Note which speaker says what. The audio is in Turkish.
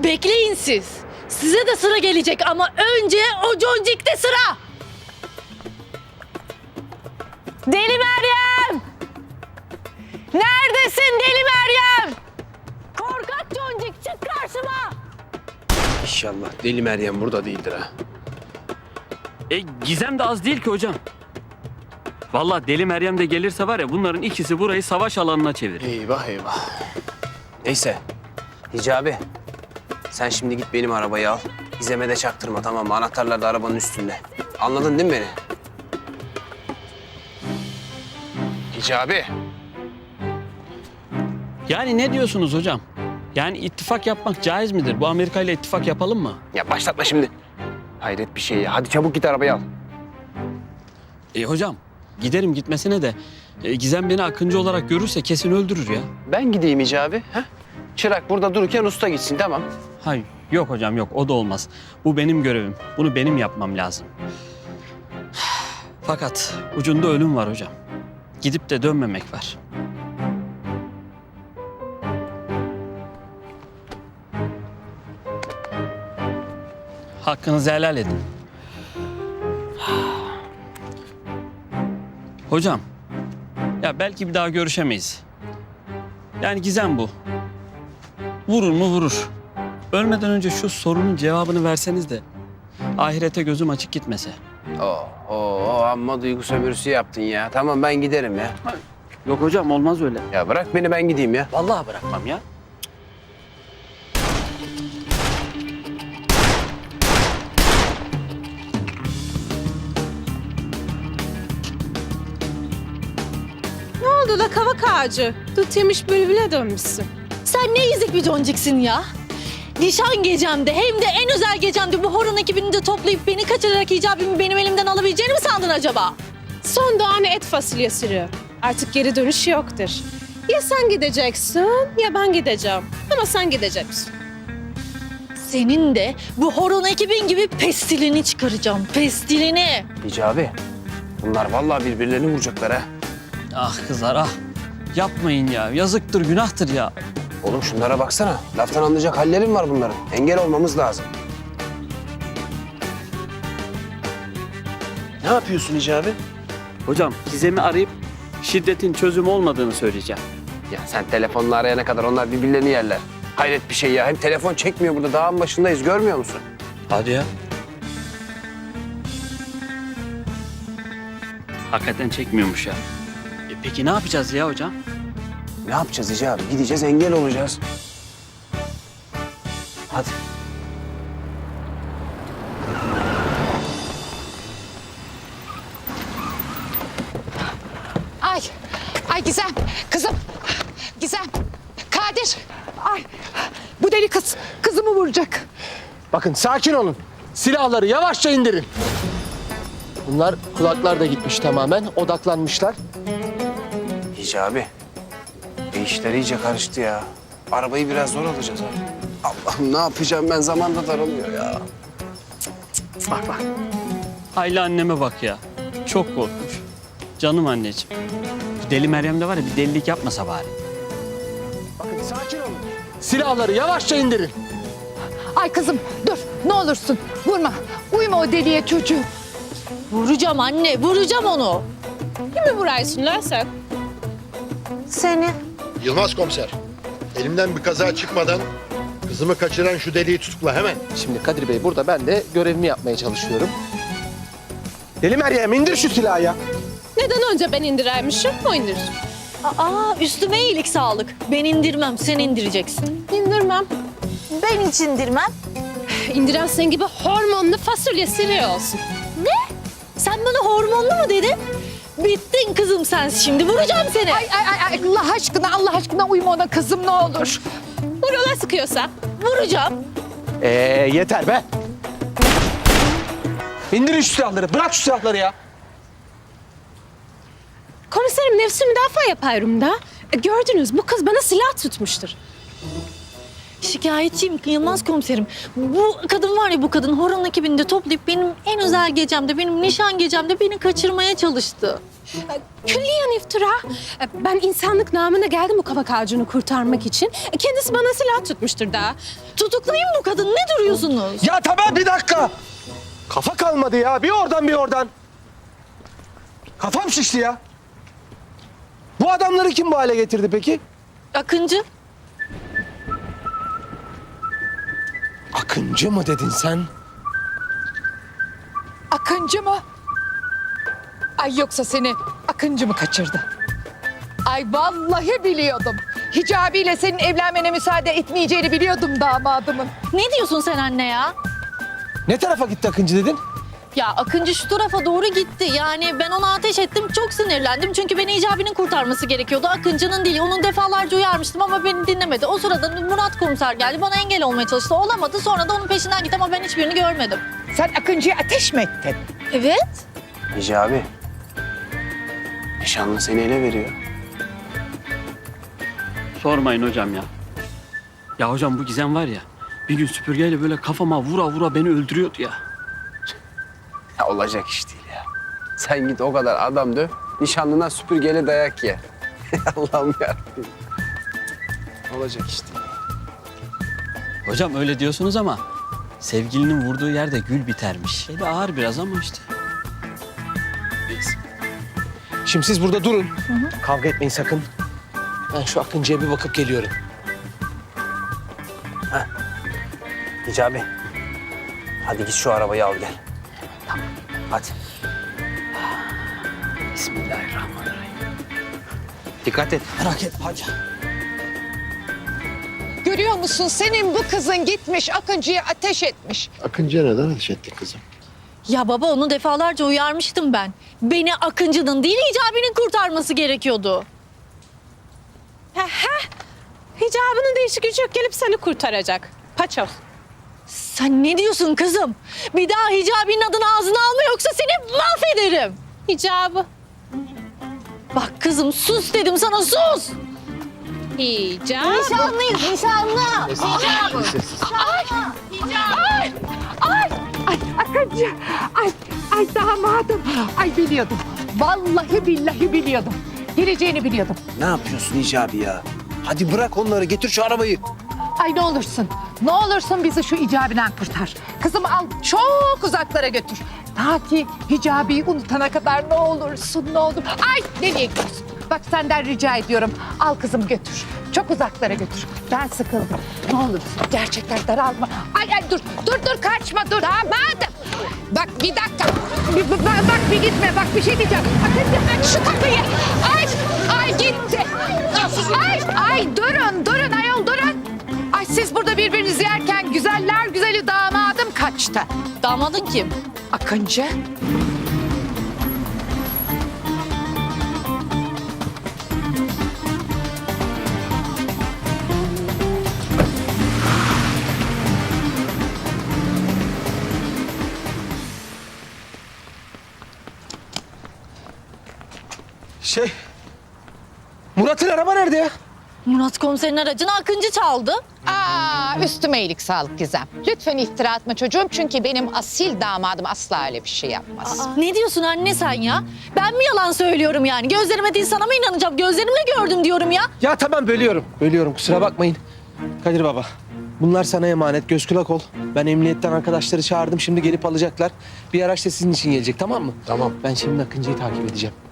Speaker 1: Bekleyin siz. Size de sıra gelecek ama önce o Concik'te sıra. Deli Meryem! Neredesin Deli Meryem? Korkak Concik çık karşıma.
Speaker 2: İnşallah Deli Meryem burada değildir ha.
Speaker 3: Gizem de az değil ki hocam. Vallahi Deli Meryem de gelirse var ya bunların ikisi burayı savaş alanına çevirir.
Speaker 2: Eyvah eyvah. Neyse. Hicabi. Sen şimdi git benim arabayı al. Gizem'e de çaktırma, tamam mı? Anahtarlar da arabanın üstünde. Anladın değil mi beni? Hicabi.
Speaker 3: Yani ne diyorsunuz hocam? Yani ittifak yapmak caiz midir? Bu Amerika ile ittifak yapalım mı?
Speaker 2: Ya başlatma şimdi. Hayret bir şey ya. Hadi çabuk git arabayı al.
Speaker 3: Hocam giderim gitmesine de Gizem beni Akıncı olarak görürse kesin öldürür ya.
Speaker 2: Ben gideyim Hicabi. Ha? Çırak burada dururken usta gitsin, tamam.
Speaker 3: Hayır yok hocam yok o da olmaz. Bu benim görevim. Bunu benim yapmam lazım. Fakat ucunda ölüm var hocam. Gidip de dönmemek var. Hakkınızı helal edin. Hocam, ya belki bir daha görüşemeyiz. Yani Gizem bu. Vurur mu vurur. Ölmeden önce şu sorunun cevabını verseniz de ahirete gözüm açık gitmese.
Speaker 2: Amma duygu sömürüsü yaptın ya. Tamam ben giderim ya.
Speaker 3: Yok hocam olmaz öyle.
Speaker 2: Ya bırak beni, ben gideyim ya.
Speaker 3: Vallahi bırakmam ya.
Speaker 4: Ne oldu la kavak ağacı? Dut yemiş bülbüle dönmüşsün.
Speaker 1: Sen ne ezik bir Concik'sin ya. Nişan gecemde hem de en özel gecemde bu horon ekibini de toplayıp beni kaçırarak icabımı benim elimden alabileceğini mi sandın acaba?
Speaker 4: Son doğan et fasulye sürüyor. Artık geri dönüş yoktur. Ya sen gideceksin ya ben gideceğim. Ama sen gideceksin.
Speaker 1: Senin de bu horon ekibin gibi pestilini çıkaracağım, pestilini.
Speaker 2: Hicabi. Bunlar vallahi birbirlerini vuracaklar ha.
Speaker 3: Ah kızlar ah. Yapmayın ya. Yazıktır, günahtır ya.
Speaker 2: Oğlum şunlara baksana. Laftan anlayacak hallerim var bunların. Engel olmamız lazım. Ne yapıyorsun Hicabi?
Speaker 3: Hocam Gizem'i arayıp şiddetin çözüm olmadığını söyleyeceğim.
Speaker 2: Ya sen telefonla arayana kadar onlar birbirlerini yerler. Hayret bir şey ya. Hem telefon çekmiyor burada. Dağın başındayız. Görmüyor musun?
Speaker 3: Hadi ya. Hakikaten çekmiyormuş ya. Peki ne yapacağız ya hocam?
Speaker 2: Ne yapacağız Hicabi? Gideceğiz, engel olacağız. Hadi.
Speaker 5: Ay Gizem, kızım. Gizem, Kadir. Ay, bu deli kız, kızımı vuracak.
Speaker 6: Bakın sakin olun. Silahları yavaşça indirin. Bunlar kulaklar da gitmiş tamamen. Odaklanmışlar.
Speaker 2: Hicabi. İşler iyice karıştı ya. Arabayı biraz zor alacağız abi. Allah'ım ne yapacağım ben, zaman da daralıyor ya.
Speaker 3: Bak bak. Hayli anneme bak ya. Çok korkmuş. Canım anneciğim. Bu Deli Meryem de var ya bir delilik yapmasa bari.
Speaker 6: Bakın sakin olun. Silahları yavaşça indirin.
Speaker 5: Ay kızım, dur. Ne olursun, vurma. Uyma o deliye çocuğu.
Speaker 1: Vuracağım anne, vuracağım onu.
Speaker 4: Kimi vuraysın lan sen?
Speaker 1: Seni.
Speaker 7: Yılmaz komiser, elimden bir kaza çıkmadan kızımı kaçıran şu deliği tutukla hemen.
Speaker 6: Şimdi Kadir Bey burada, ben de görevimi yapmaya çalışıyorum. Deli Meryem indir şu silahı ya.
Speaker 4: Neden önce ben indirermişim, o indirsin.
Speaker 1: Aa, üstüme iyilik sağlık. Ben indirmem, sen indireceksin.
Speaker 4: İndirmem.
Speaker 1: Ben hiç indirmem.
Speaker 4: İndiren sen gibi hormonlu fasulye sürüyor olsun.
Speaker 1: Ne? Sen bana hormonlu mu dedin? Bittin kızım sen, şimdi vuracağım seni.
Speaker 5: Ay Allah aşkına uyma ona kızım ne olur.
Speaker 4: Vur ola sıkıyorsa.
Speaker 1: Vuracağım.
Speaker 6: Yeter be. İndirin şu silahları. Bırak şu silahları ya.
Speaker 4: Komiserim nefsi müdafaa yapıyorum da. Gördünüz bu kız bana silah tutmuştur.
Speaker 1: şikayetçiyim Yılmaz komiserim. Bu kadın var ya, bu kadın horon ekibini de toplayıp benim en özel gecemde, benim nişan gecemde beni kaçırmaya çalıştı.
Speaker 4: Külliyen iftira. Ben insanlık namına geldim bu kavak ağacını kurtarmak için. Kendisi bana silah tutmuştur daha.
Speaker 1: Tutuklayın bu kadını, ne duruyorsunuz?
Speaker 6: Ya tamam, bir dakika. Kafa kalmadı ya. Bir oradan bir oradan. Kafam şişti ya. Bu adamları kim bu hale getirdi peki?
Speaker 1: Akıncı.
Speaker 6: Akıncı mı dedin sen?
Speaker 5: Akıncı mı? Ay yoksa seni Akıncı mı kaçırdı? Ay vallahi biliyordum. Hicabi ile senin evlenmene müsaade etmeyeceğini biliyordum damadımın.
Speaker 1: Ne diyorsun sen anne ya?
Speaker 6: Ne tarafa gitti Akıncı dedin?
Speaker 1: Ya Akıncı şu tarafa doğru gitti. Yani ben ona ateş ettim, çok sinirlendim. Çünkü beni Hicabi'nin kurtarması gerekiyordu. Akıncı'nın değil. Onun defalarca uyarmıştım ama beni dinlemedi. O sırada Murat komiser geldi. Bana engel olmaya çalıştı. Olamadı. Sonra da onun peşinden gitti ama ben hiçbirini görmedim.
Speaker 5: Sen Akıncı'ya ateş mi ettin?
Speaker 1: Evet.
Speaker 2: Hicabi. Nişanlı seni ele veriyor.
Speaker 3: Sormayın hocam ya. Ya hocam bu Gizem var ya, bir gün süpürgeyle böyle kafama vura vura beni öldürüyordu ya.
Speaker 2: Ya olacak iş değil ya. Sen git o kadar adam döv, nişanlına süpürgeyle dayak ye. Allah'ım yarabbim. Olacak iş değil.
Speaker 3: Hocam öyle diyorsunuz ama sevgilinin vurduğu yerde gül bitermiş. Şey de ağır biraz ama işte.
Speaker 2: Neyse.
Speaker 6: Şimdi siz burada durun. Kavga etmeyin sakın. Ben şu Akıncı'ya bir bakıp geliyorum.
Speaker 2: Hicabi. Hadi git şu arabayı al gel. Tamam. Hadi. Bismillahirrahmanirrahim. Dikkat et.
Speaker 6: Merak etme hadi.
Speaker 5: Görüyor musun senin bu kızın gitmiş Akıncı'ya ateş etmiş.
Speaker 7: Akıncı'ya neden ateş ettin kızım?
Speaker 1: Ya baba, onu defalarca uyarmıştım ben. Beni Akıncı'nın değil Hicabi'nin kurtarması gerekiyordu.
Speaker 4: Hicabının değişik gücü yok, gelip seni kurtaracak. Paçoz.
Speaker 1: Sen ne diyorsun kızım? Bir daha Hicabi'nin adını ağzına alma yoksa seni mahvederim.
Speaker 4: Hicabı.
Speaker 1: Bak kızım, sus dedim sana, sus.
Speaker 4: Hicabı.
Speaker 1: Nişanlıyız, nişanlı.
Speaker 5: Ay Akıncı, ay damadım. Ay biliyordum. Vallahi billahi biliyordum. Geleceğini biliyordum.
Speaker 2: Ne yapıyorsun Hicabi ya? Hadi bırak onları, getir şu arabayı.
Speaker 5: Ay ne olursun, ne olursun bizi şu icabiden kurtar. Kızımı al çok uzaklara götür. Ta ki Hicabi'yi unutana kadar ne olursun, ne olur. Ay nereye gidiyorsun? Bak senden rica ediyorum. Al kızımı götür. Çok uzaklara götür. Ben sıkıldım. Ne olursun gerçekten daralma. Ay dur kaçma dur. Damadım. Bak bir dakika. Bak bir gitme. Bak bir şey diyeceğim. Aç şu kapıyı. Ay gitti. Ay durun ayol durun. Ay siz burada birbirinizi yerken güzeller güzeli damadım kaçtı.
Speaker 1: Damadın kim?
Speaker 5: Akıncı.
Speaker 6: Murat'ın araba nerede ya?
Speaker 1: Murat komiserin aracını Akıncı çaldı.
Speaker 5: Üstüme iyilik sağlık Gizem. Lütfen iftira atma çocuğum çünkü benim asil damadım asla öyle bir şey yapmaz.
Speaker 1: Ne diyorsun anne sen ya? Ben mi yalan söylüyorum yani? Gözlerime değil sana mı inanacağım? Gözlerimle gördüm diyorum ya.
Speaker 6: Ya tamam, bölüyorum kusura bakmayın. Kadir baba, bunlar sana emanet, göz kulak ol. Ben emniyetten arkadaşları çağırdım, şimdi gelip alacaklar. Bir araç da sizin için gelecek, tamam mı?
Speaker 7: Tamam.
Speaker 6: Ben şimdi Akıncı'yı takip edeceğim.